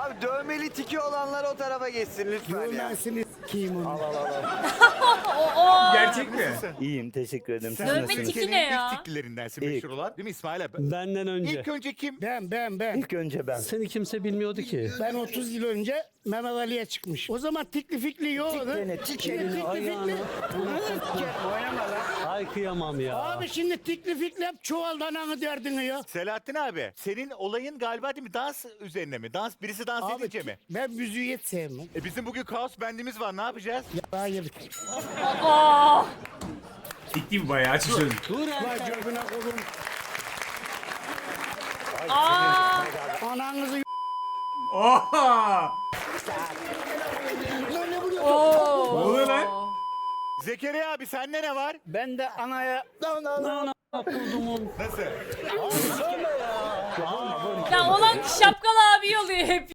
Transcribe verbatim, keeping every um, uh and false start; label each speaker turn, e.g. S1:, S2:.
S1: Abi dövmeli tiki olanlar o tarafa geçsin lütfen ya.
S2: Görmezsiniz kim onu.
S1: Al al al.
S3: Gerçek mi?
S1: İyiyim teşekkür ederim. Siz
S4: Dövme
S1: nasılsınız?
S4: tiki ne ya?
S5: İlk tiklilerindensin
S1: İlk.
S5: meşhur olan değil mi İsmail abi?
S6: Benden önce.
S5: İlk önce kim?
S2: Ben ben ben.
S1: İlk önce ben.
S6: Seni kimse bilmiyordu ki.
S2: Ben otuz yıl önce Mehmet Ali'ye çıkmış. O zaman tikli fikli yoktu.
S1: Tiklene, tiklene,
S2: Şimdi tikli
S6: ayağına.
S2: fikli. Oynama lan.
S6: Ay kıyamam ya.
S2: Abi şimdi tikli fikli hep çuvaldan anı derdini ya.
S5: Selahattin abi senin olayın galiba değil mi dans üzerine mi? Dans birisi dans
S2: Abi
S5: edince mi?
S2: ben müziği hiç sevmem.
S5: E bizim bugün kaos bendimiz var ne yapacağız?
S2: Ya hayır.
S4: Aa!
S3: Ciddi bayağı açı sözlü.
S6: Dur
S2: Vay cebine koyun.
S4: Aa!
S2: Ananızı y-
S3: Oha!
S2: Lan ne vuruyorsun?
S3: Ne
S4: Oo!
S3: oluyor lan?
S5: Zekeriya abi sende ne var?
S2: Ben de anaya... Lan lan lan.
S5: Nasıl?
S4: Ya olan şapkalı abi oluyor hep.